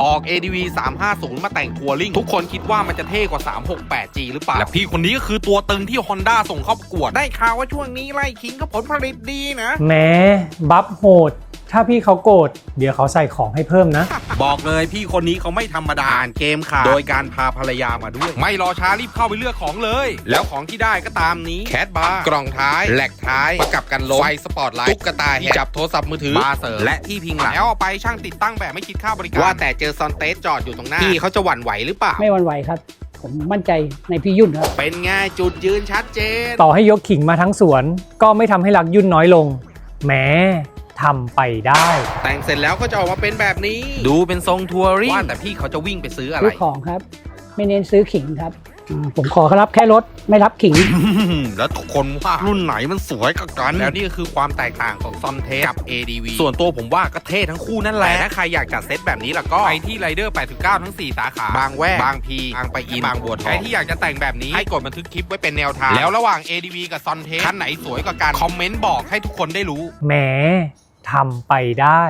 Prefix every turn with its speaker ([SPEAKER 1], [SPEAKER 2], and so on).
[SPEAKER 1] ออก ADV 350 มาแต่งทัวริงทุกคนคิดว่ามันจะเท่กว่า 368G หรือเปล่าและพี่คนนี้ก็คือตัวตึงที่ Honda ส่งเข้าประกวดได้ข่าวว่าช่วงนี้ไล่คิงก็ผลผลิตดีนะ
[SPEAKER 2] แม้บัฟโหดถ้าพี่เขาโกรธเดี๋ยวเขาใส่ของให้เพิ่มนะ
[SPEAKER 1] บอกเลยพี่คนนี้เขาไม่ธรรมดาอ่านเกมขาดโดยการพาภรรยามาด้วย ไม่รอช้ารีบเข้าไปเลือกของเลยแล้วของที่ได้ก็ตามนี้แคทบาร์กล่องท้ายแหลกท้ายประกับกันลมไฟสปอตไลท์ตุ๊กตาที่จับโทรศัพท์มือถือบาร์เสริมและที่พิงหลังแล้วเอาไปช่างติดตั้งแบบไม่คิดค่าบริการว่าแต่เจอซอนเตสจอดอยู่ตรงหน้าพี่เขาจะหวั่นไหวหรือเปล่า
[SPEAKER 3] ไม่หวั่นไหวครับ ผมมั่นใจในพี่ยุ่นครับ
[SPEAKER 1] เป็นไงจุดยืนชัดเจน
[SPEAKER 2] ต่อให้ยกขิงมาทั้งสวนก็ไม่ทำให้รักยุ่นน้อยลงแม้ทำไปได้
[SPEAKER 1] แต่งเสร็จแล้วก็จะออกมาเป็นแบบนี้ดูเป็นทรงทัวริงว่าแต่พี่เขาจะวิ่งไปซื้ออะไร
[SPEAKER 3] ซื้อของครับ ไม่เน้นซื้อขิงครับผมขอรับแค่รถไม่รับขิง
[SPEAKER 1] แล้วทุกคนว่ารุ่นไหนมันสวยกว่ากันแล้วนี่ก็คือความแตกต่างของซอนเทสกับ ADV ส่วนตัวผมว่าก็เท่ทั้งคู่นั่นแหละแต่ถ้าใครอยากจัดเซตแบบนี้ล่ะก็ไปที่ไรเดอร์89 ทั้ง 4 สาขาบางแวกบางพีบางปะอินบางบัวทองใครที่อยากจะแต่งแบบนี้ให้กดบันทึกคลิปไว้เป็นแนวทางแล้วระหว่าง ADV กับซอนเทสคันไหนสวยกว่ากันคอมเมนต์บอกให้ทุกคนได้รู้
[SPEAKER 2] แม้ทำไปได้